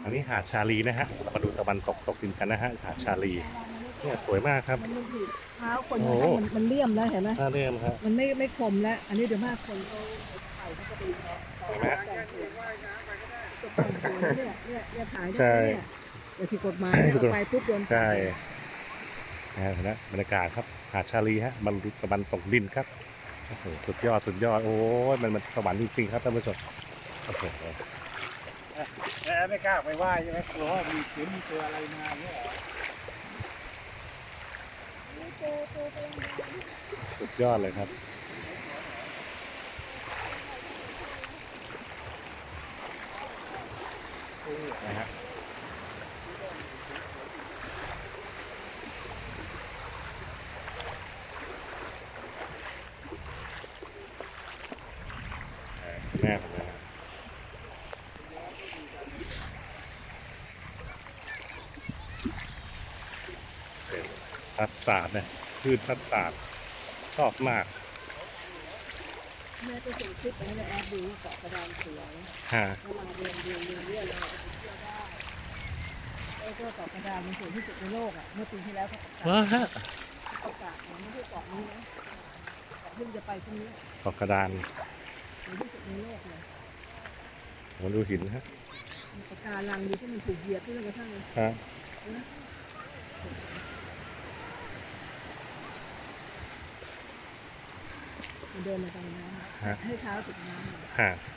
อันนี้หาดชาลีนะฮะมาดูตะวันตกดินกันนะฮะหาดชาลีเนี่ยสวยมากครับมันผิดเท้าคนโอ้มันเลี่ยมแล้วเห็นไหมน่าเริ่มครับมันไม่คมแล้ว อันนี้เดี๋ยวมากคนเขาใส่เขาก็ดีเขาเห็นไหมเนี่ยถ่ายใช่เนี่ยเดี๋ยวผิดกฎหมายเนี่ยเอาไปปุ๊บโดนใช่นะเห็นไหมบรรยากาศครับหาดชาลีฮะมันตะวันตกดินครับโอ้โหสุดยอดโอ้ยมันสวรรค์จริงๆครับท่านผู้ชมโอ้โหแอบไม่กล้าไปไหว้ใช่ไหมกลัวว่ามีเสือมีตัวอะไรมาเนี่ยสุดยอดเลยครับนะฮะแน่นะฮะเสียงซัดสาดเนี่ยคลื่นซัดสาดชอบมากแม่ก็ส่งคลิปไปให้แอดดูเกาะกระดานเสือฮะเวลาเรียนเลยไปเที่ยวได้แล้วก็เกาะกระดานมันสวยที่สุดในโลกอ่ะเมื่อปีที่แล้วเขาประกาศว้าฮะประกาศมันไม่ใช่เกาะนี้นะเกาะที่จะไปตรงนี้เกาะกระดานสวยที่สุดในโลกเลยผมดูหินฮะมีปะการังดีที่มันถูกเหยียบที่กระทั่งฮะมันเดินมาตรงน้ำให้เท้าถึงน้ำฮะ